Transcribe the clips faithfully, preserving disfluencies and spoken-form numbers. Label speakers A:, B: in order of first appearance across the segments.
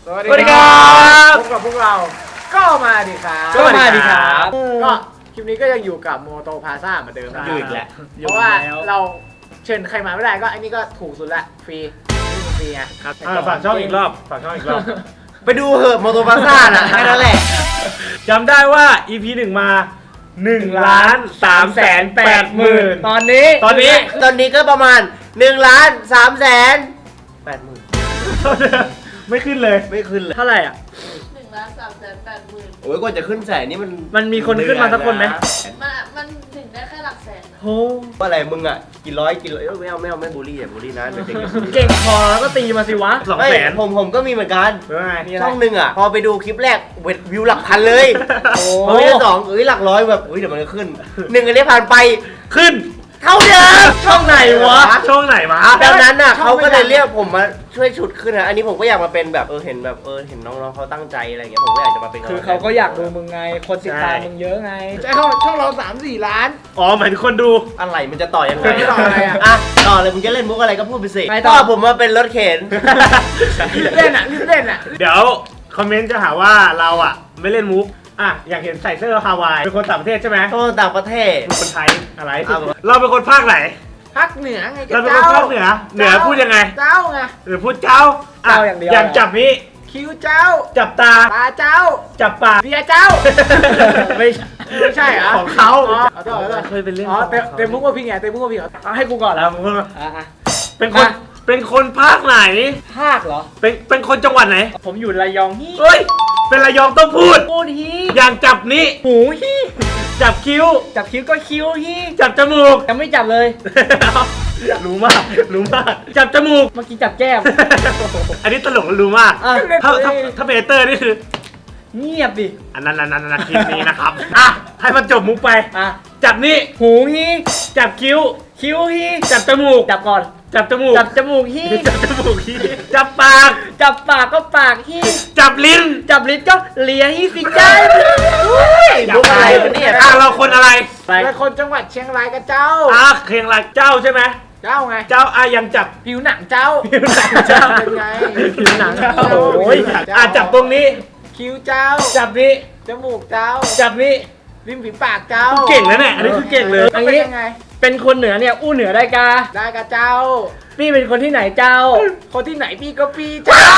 A: สวัสดีครับพบกับพวกเราก็มาดิครับ
B: ก็มาดิครับ
A: ก็คลิปนี้ก็ยังอยู่กับโมโตพาซ่าเหมือนเดิมนะ
B: อยู่อีกแล้ว
A: เพราะว่าเราเชิญใครมาไม่ได้ก็อันนี้ก็ถูกสุดละฟรีฟรีไง
B: ครับฝากช่องอีกรอบฝากช่องอีกรอบ
C: ไปดูเหอะโมโตพาซ่าน่ะแค่นั้นแหละ
B: จำได้ว่า อี พี หนึ่งมาหนึ่งล้านสามแสนแปดหมื่น
A: ตอนนี้
B: ตอนนี้
C: ตอนนี้ก็ประมาณหนึ่งล้านสามแสนแปดหมื่น
B: ไม่ขึ้นเลย
C: ไม่ขึ้นเลย
A: เท่าไหร่อ่ะ
D: หนึ่งล้านสามแสนแปดหมื่น
C: โอ้ยกว่าจะขึ้นแสนนี่มัน
A: มันมีคนขึ้นมาสักคนไหม
D: มันมันถึงได้แค่หลักแสนนะ
A: โอ้
C: ว่าอะไรมึงอ่ะกี่ร้อยกี่ร้อยเอ้ยไม่เอาไม่เอาไม่บูลลี่อ่ะบูลลี่นะเดี๋ยวเด็กจะบูลลี่
A: เก่งพอแล้วก็ตีมาสิวะ
B: สอง
C: ไม่
B: แสน
C: ผมผมก็มีเหมือนกัน
B: หรือไง
A: มีอะไร
C: ช่องหนึ่งอ่ะพอไปดูคลิปแรกเวทวิวหลักพันเลย
A: โอ้
C: พอคลิปสองเอ้ยหลักร้อยแบบอุ้ยเดี๋ยวมันก็ขึ้นหนึ่งอันนี้ผ่านไป
B: ขึ้น
C: เท่าเดิม
A: ช่องไหนวะ
B: ช่องไหนมา
C: ดังนั้นน่ะ
A: ช่อง
C: เขาก็เลย
A: ไม่ดัง
C: เรียกผมมาช่วยฉุดขึ้นนะอันนี้ผมก็อยากมาเป็นแบบเออเห็นแบบเออเห็นน้องๆเขาตั้งใจอะไรอย่างเงี้ยผมก็อยากจะมาเป็น
A: คือเขาก็อยากดูมึงไง คนติดตามมึงเยอะไงใช่ช่องช่องเราสามสี่ล้าน
B: อ๋อหมายถึงคนดู
C: อะไรมันจะต่อยังไง
A: ต่ออะไรอะ
C: อ่ะต่อเลยมึงจะเล่นมุกอะไรก็พูดไปสิ
A: ไปต่อ
C: ก็ผมมาเป็นรถเข็น
A: รีบเล่นอ่ะรีบเล่นอ่ะ
B: เดี๋ยวคอมเมนต์จะหาว่าเราอ่ะไม่เล่นมุกอ่ะอยากเห็นใส่เสื้อฮาวายเป็นคนต่างประเทศใช่ไหม
C: โอ้ต่างประเทศ
B: เป็นคนไทยอะไร
C: เอา
B: เราเป็นคนภาคไหน
A: ภาคเหนือไง
B: เราเป็นคนภาคเหนือเหนือพูดยังไง
A: เจ้าไง
B: หรือพูดเจ้าะ
A: เจ้าอย่างเดียว
B: อย่างจับนี้
A: คิ้วเจ้า
B: จับตา
A: ตาเจ้า
B: จับปาก
A: เบียร์เจ้า ไม่ใช่ไม่ใช่เหรอ
B: ของเขา
A: อ๋อขอโทษขอโทษ
B: เคยไปเล่น
A: อ๋อเต็ม
B: ของเขา
A: เต็มมุกว่าพี่ไงเต็มมุกว่าพี่เหรอเอาให้กูก่อน
B: แล้วผมก็
A: อ่ะอ่ะ
B: เป็นคน
A: มา
B: เป็นคนภาคไหน
A: ภาคเหรอ
B: เป็นเป็นคนจังหวัดไหน
A: ผมอยู่ระยองฮี่
B: เฮ้ย เป็นระยองต้องพูด
A: พูดฮี่
B: อย่างจับนี้
A: หูฮี่
B: จับคิ้ว
A: จับคิ้วก็คิ้วฮี่
B: จับจมูก
A: ยังไม่จับเลย
B: รู้มาก รู้มาก จับจมูก
A: เมื่อกี้จับแก้ม
B: อันนี้ตลกและรู้มาก
A: อ่ะ
B: ถ้าถ้าถ้าเป็นเอเตอร์นี่คือ
A: เงียบดิ
B: อันนั้นอันนั้นอันนั้นคลิปนี้นะครับ อ่ะ ให้มันจบมุกไป
A: อ่ะ
B: จับนี่
A: หูฮี่
B: จับคิ้ว
A: คิ้วฮี่
B: จับจมูก
A: จับก่อน
B: จับจมูก
A: จับจมูกฮี่
B: จับจมูกฮีจับปาก
A: จับปากก็ปากฮี่
B: จับลิ้น
A: จับลิ้นก็เลียฮี่สิจ้า
C: มุกอะไรวะเนี่ย
B: อ่ะเราคนอะไร
A: เป็นคนจังหวัดเชียงรายกับเจ้า
B: อ่ะเคียงรายเจ้าใช่ไหม
A: เจ้าไง
B: เจ้าอ่ะยังจับ
A: ผิวหนังเจ้า
B: ผิวหนังเจ้า
A: เป็นไง
B: ผิวหนัง
A: เจ้า
B: โอ้ยอ่ะจับตรงนี้
A: คิ้วเจ้า
B: จับนี้
A: จมูกเจ้า
B: จับนี้
A: ริมฝีปากเจ้า
B: เก่งแล้วเนี่ย อันนี้คือเก่งเลย
A: อันนี้ยังไง เป็นคนเหนือเนี่ยอู้เหนือได้กาได้กาเจ้า พี่เป็นคนที่ไหนเจ้า คนที่ไหนพี่ก็พี่เจ้า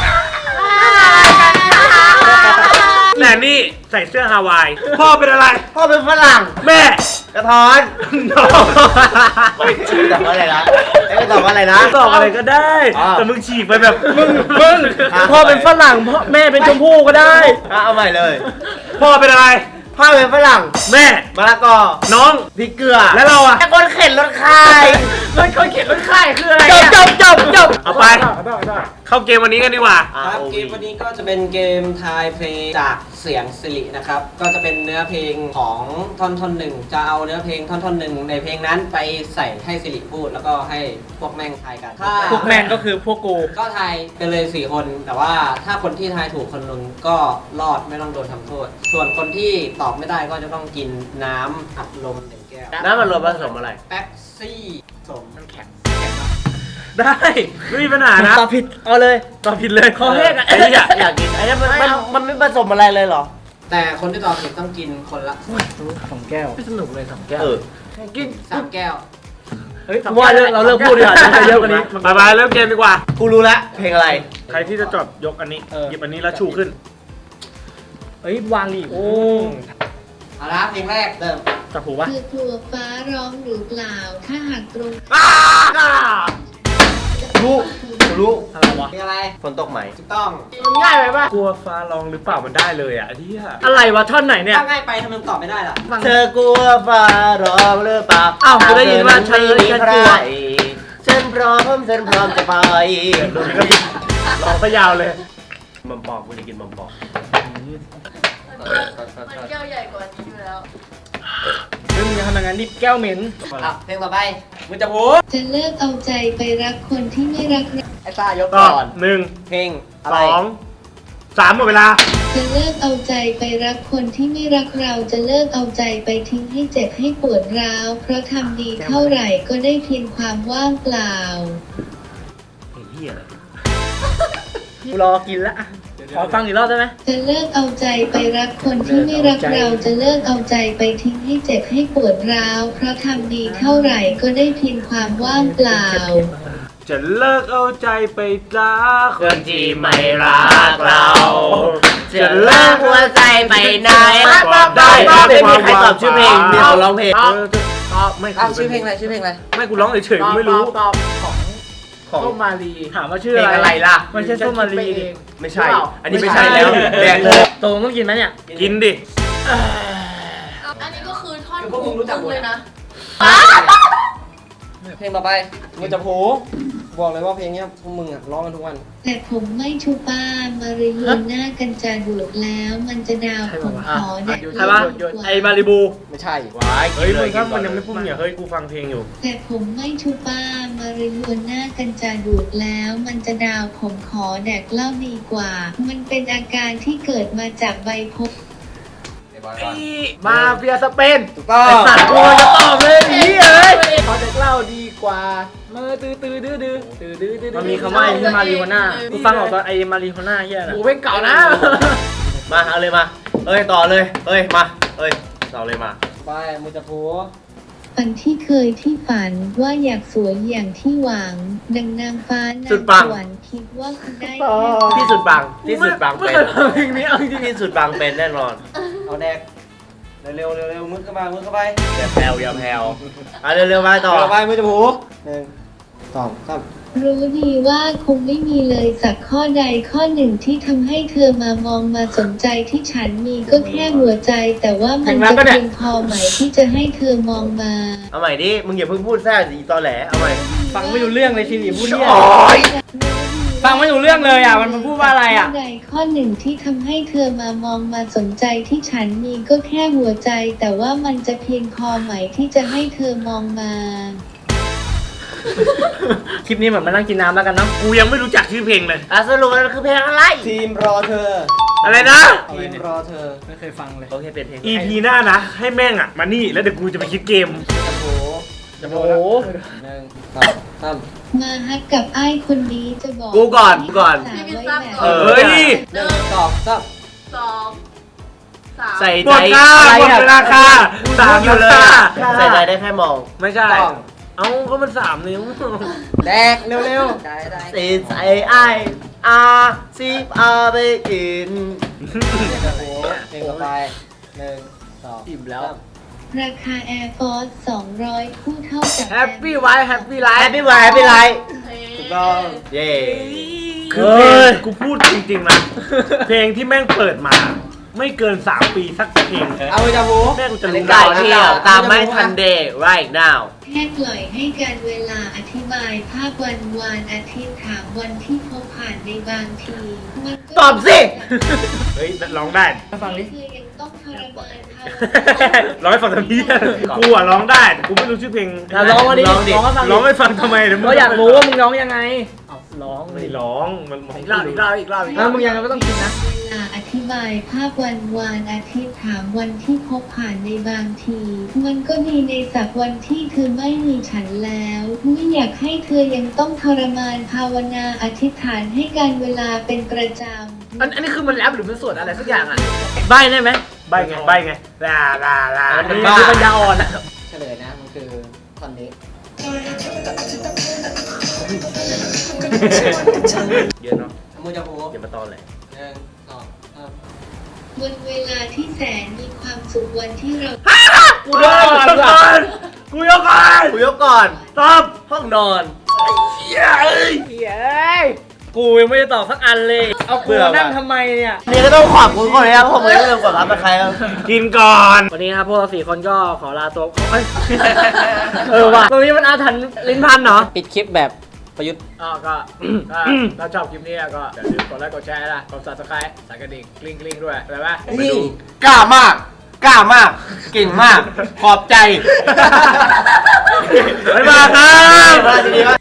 B: แต่นี่ใส่เสื้อฮาวาย พ่อเป็นอะไร
C: พ่อเป็นฝรั่ง
B: แม่
C: กระท้อน
B: น้อง
C: ตอบว่าอะไรนะไอ้ก็ตอบว่าอะไรนะ
B: ตอบอะไรก็ได้
C: อ่า
B: แต่มึงฉีกไปแบบ
A: มึงมึง
C: อ่ะ
A: พ่อเป็นฝรั่งพ่อแม่เป็นชมพู่ก็ได้
C: อ่ะเอาใหม่เลย
B: พ่อเป็นอะไร
C: พ่อเป็นฝรั่ง
B: แม่
C: มะละกอ
B: น้อง
C: พริกเกลือ
B: แล้วเราอ่ะ
C: ไอ้คนเข็นรถคาย
A: เฮ้ยคนเขียนรถค่ายคืออะไร
C: จบ
A: อะ
C: จบจบจบ
B: เอาไป เข้าเกมวันนี้กันดีกว่า
E: ครับเกมวันนี้ก็จะเป็นเกมทายเพลงจากเสียงสิรินะครับ ก็จะเป็นเนื้อเพลงของท่อนท่อนหนึ่งจะเอาเนื้อเพลงท่อนท่อนหนึ่งในเพลงนั้นไปใส่ให้สิริพูด แล้วก็ให้พวกแม่งทายกันถ้า
A: พวกแมนก็คือพวกกู
E: ก็ทายไปเลยสี่คน แต่ว่าถ้าคนที่ทายถูกคนหนึงก็รอดไม่ต้องโดนทำโทษ ส่วนคนที่ตอบไม่ได้ก็จะต้องกินน้ำอัดลมหนึ่งแก้ว
C: น้ำมันรวมผสมอะไร
E: แป๊บซี่สม
A: มันแข็ง
B: ได้ ไม่มีปัญหานะ
A: ตอบผิด เอาเลย
B: ตอบผิดเลย
A: ขอแห้งอะ
C: ไอ้นี่อยากอยากกินไอ้นี่มันมันมันไม่ผสมอะไรเลยเหรอ
E: แต่คนที่ตอบผิดต้องกินคนละ
A: สองแก้วไม่สนุกเลยสองแก้ว
C: เออ
A: กิน
E: สามแก้ว
A: เฮ้ยว่าเลิกเราเลิกพูดดีกว่าจะเยอะกว่านี้
B: บายบายเริ่มเกมดีกว่า
C: กูรู้แล้วเพลงอะไร
B: ใครที่จะจดยกอันนี้
A: เออ
B: หยิบอันนี้แล้วชูขึ้น
A: เฮ้ยวางดิโอ้
E: เอาละเพลงแรกเริ่ม
A: จับหูปะ
F: คือถั่วฟ้าร้องหรือเปล่า ถ้าหากตรง
C: รู้กูรู้
A: อะไรวะ
E: เพลงอะไร
C: ฝนตกไหม
E: ถูกต้อง
A: มันง่ายไปปะ
B: กลัวฟ้าร้องหรือเปล่ามันได้เลยอ่ะที่
A: อะไรวะท่อนไหนเนี่ย
E: ถ้าง่ายไปทำไมตอบไม่ได้ล่ะ
A: ฟัง
C: เธอกลัวฟ้าร้องหรือเปล่า
A: อ้าวกูได้ยินว่าฉัน
C: ไม่มี
A: ฉัน
C: ใคร
A: กลัว
C: ฉันพร้อมฉันพร้อมจะไป
B: ร้องซะยาวเลย
C: มัมปอกกูจะกินมัมปอก
D: มันแก้วใหญ่กว่านี้อยู่แล้ว
A: เรื่องนี้ทำงานรีบแก้วเหม็น
E: อ่ะเพลงต่อไป
A: มึงจะพูด
F: จะเลิกเอาใจไปรักคนที่ไม่รักเรา
E: ไอ้ซ่ายก
B: ตอบ
E: ก่อน
B: หนึ่ง
E: เพลงอะ
B: ส
E: ไร
B: องสามหมดเวลา
F: จะเลิกเอาใจไปรักคนที่ไม่รักเรา จะเลิกเอาใจไปทิ้งให้เจ็บให้ปวดร้าว เพราะทำดีเท่าไหร่ก็ได้เพียงความว่างเปล่า
C: ไอ้เหี้ยอะไร
A: กูรอกินละขอฟังอีกรอบได้ไหม
F: จะเลิกเอาใจไปรักคนที่ไม่รักเราจะเลิกเอาใจไปทิ้งให้เจ็บให้ปวดร้าวเพราะทำดีเท่าไหร่ก็ได้เพียงความว่างเปล่า
B: จะเลิกเอาใจไปรัก
C: คนที่ไม่รักเรา จะเลิกหัวใจไปไหนได้ไม่มีใครตอบชื่อเพลงมีคนร้องเพลง
B: เออตอบไม่
E: อ้าวชื่อเพลงอะไรชื่อเพลงอะไร
B: ไม่กูร้องเฉยๆกูไม่รู้
A: ตอบของ
C: ของ
A: ส้มมาลีถามว่าชื่อ
C: เพลง
A: อะ
C: อะไร ไรล่ะ
A: มันใช่ส้มมาลี
C: ไม่ใช่ อันนี้ไม่ใช่แล้วแดงเลย
A: ตรงต้องกินไหมเนี่ย
B: กินดิ
D: อันนี้ก็คือท่อนฮุกตึงเลยนะ
E: เพลงต่อไปมือจับหูบอกเลยว่าเพลงเนี้ยพวกมึงอ่ะร้องกันทุกวัน
F: แต่ผมไม่ชูป้ามาริยูหน้ากันจะดูดแล้วมันจะดาวผมขอแดก
A: ใช่ปะไอ้มาริบู
E: ไม่ใช่
C: ว้าย
B: เฮ้ยมึงถ้า
C: กิ
B: มัน
C: เล
B: ยังไม่พูดเนี่ยเฮ้ยกูฟังเพลงอยู่
F: แต่ผมไม่ชูป้ามาริยูหน้ากันจะดูดแล้วมันจะดาวผมขอแดกเหล้าดีกว่า มันเป็นอาการที่เกิดมาจากใบพบ
A: มาเฟียสเปน
E: ถูกต้อง
A: ไอ้สัตว์กูจะตอบเลยนี่เอ้ยขอเด็กเล่าดีกว่ามือตื้อตื้อดื้อดื้อตื้อดื้อดื้อมันมีคำว่าไอ้มาริโฮน่ากูฟังออกตอนไอ้มาริโฮน่าเฮียนะกูเป็นเก่านะ
C: มาเอาเลยมา เอ้ยต่อเลย เอ้ยมา เอ้ยต่อเลยมา
E: ไปมือจับหู
F: ฝันที่เคยที่ฝันว่าอยากสวยอย่างที่หวัง ดังนางฟ้านาง
C: สุดปัง
F: สวรรค์คิดว่าคุณได้
C: ที่สุดบางที่สุดบาง
A: ไม่
C: เป็น
A: เคยฟังเพลงนี้เอาจริง
C: ที่สุดบางเป็นแน่นอน
E: เอาแดกเร็วๆเร็วๆมือเข้ามามือเข้าไป
C: อย่าแผ่วอย่าแผ่วอ่ะเร็วๆมาต่อ
E: ต่อไปมือจับหูหนึ่งสองสาม
F: รู้ดีว่าคงไม่มีเลยสักข้อใดข้อหนึ่งที่ทำให้เธอมามองมาสนใจที่ฉันมีก็แค่หัวใจ แต่ว่ามันจะเพียงพอไหมที่จะให้เธอมองมา
C: เอาใหม่ดิ มึงอย่าเพิ่งพูดแทรกสิตอแหล เอาใหม่
A: ฟังไม่รู้เรื่องเลยทีนี้พูดเนี่ย
C: โอ๊ย
A: ฟังไม่รู้เรื่องเลยอ่ะมันมันพูดว่าอะไรอ่ะ
F: ข้อใดข้อหนึ่งที่ทำให้เธอมามองมาสนใจที่ฉันมีก็แค่หัวใจ แต่ว่ามันจะเพียงพอไหมที่จะให้เธอมองมา
A: คลิปนี้เหมือนมานั่งกินน้ำแล้วกันเนาะ
B: กูยังไม่รู้จักชื่อเพลงเลย
C: อ่ะสรุปมันคือเพลงอะไร
E: ทีมรอเธอ
B: อะไรนะ
E: ทีมรอเธอ
A: ไม่เคยฟังเลย
C: โอเคเป็นเพลง
B: อี พีหน้านะ ให้แม่งอ่ะ มานี่แล้วเดี๋ยวกูจะไปคิดเกม
E: จับหู
A: โอ้โห
E: หนึ่งสองสาม
F: มาฮักกับไอ้คนนี้จะบอก
C: กูก่อนกูก่อน
F: สาวไว้แบบ
C: เออ
B: เฮ้ย
E: หนึ่งสองสาม
D: สองสาม
C: ใส่
B: หม
C: ใจ
B: ดค่าหมดเวลาค่าสาม
C: อยู่เลย
B: ค่า
C: ใส่ใจได้แค่มอง
B: ไม่ใช่
E: ต้อง
B: เอ้าก็มันสามนิ้ว
E: แดกเร็วๆได้ได้
C: ใส่ใจไอ้อาซีบอาไปกิน
E: จับหูเพลงต่อไปหนึ่งสอง
A: อิ่มแล้ว
E: สาม
F: ราคา Air Force สองร้อยคู่เท่ากับ
A: แฮปปี้ไว้แฮปปี้ไล
C: แฮป
A: ฟ์
C: ปี้ไวแฮปปี้ไลท์
E: ถูกต้อง
C: เย้
B: คือเพลงกูพูดจริงๆนะ เพลงที่แม่งเปิดมา ไม่เกินสามปีสักเพลง
E: เอาไปจับหู
B: แม่งกูจะรู้
C: ได้
B: ได้
C: เที่ยวตามไม่ทันเดย์ right now
F: แค่ปล่อยให้การเวลาอธิบายภาพวันวานอาทิตย์ถามวันที่พบผ่านในบางทีมันก็
C: ตอบสิ
B: เฮ้ยร้องได้
A: ฟังดิ
F: คือยังต้องทรมานเขา
B: ร้องให้ฟังทำไมกูอ่ะร้องได้แต่กูไม่รู้ชื่อเพลง
A: อ่ะร้องมาดิ
C: ร้องดิ
A: ร้องให้ฟังดิ
B: ร้องให้ฟังทำไมเดี๋ยวมึง
A: ก็อยากรู้ว่ามึงร้องยังไงเอาร้องเล
B: ไม่
A: ย
B: ร้องมันมอง
A: อีกรอบอีกรอบอีกรอบอีกรอบมึงยังไงก็ต้องกินนะ
F: เวลาอธิบายภาพวันวานอาทิตย์ถามวันที่พบผ่านในบางที มันก็มีในสักวันที่เธอไม่มีฉันแล้วไม่อยากให้เธอยังต้องทรมานภาวนาอธิษฐานให้การเวลาเป็นประจำ
A: อันอันนี้คือมันแรปหรือมันสวดอะไรสักอย่างอ่ะใบได้ไหม
B: ใบไงใบไงลาลาลา
A: อันนี้คือปัญญาอ่อนอ่ะ
E: เฉลยนะมันคือท่อนนี้
C: เยอะเนาะ
E: เอามือจับหู
C: อย่ามาตอนเลย
E: หนึ่งสองสาม
F: วันเวลาที่แสนมีความสุขวันที่เรา
B: กูยกก่อนกูยกก่อน
C: กูยกก่อน
B: ตอบ
C: ห้องนอน
B: เย้ย
A: เย้ยกูยังไม่ได้ตอบสักอันเลย เอากูมานั่งทำไมเนี่ย
C: นี่ก็ต้องขอบคุณก่อนนะครับผมไม่ได้เริ่มกดรับกับใครครับ
B: กินก่อน
A: วันนี้นะครับพวกเราสี่คนก็ขอลาตัวขอเอ้ย เออว่ะตรงนี้มันอาถรรพ์ลิ้นพันเนาะ
E: ปิดคลิปแบบประยุทธ์
A: อ๋อก็ถ้าถ้าชอบคลิปนี้ก็อย่าลืมกดไลค์กดแชร์นะกด subscribe สั่นกระดิ่งกลิ้งกลิ้งด้วยอะไรปะ
E: นี่
C: กล้ามาก กล้ามาก เก่งมาก ขอบใจ
B: บ๊ายบายครับ
C: ดีมาก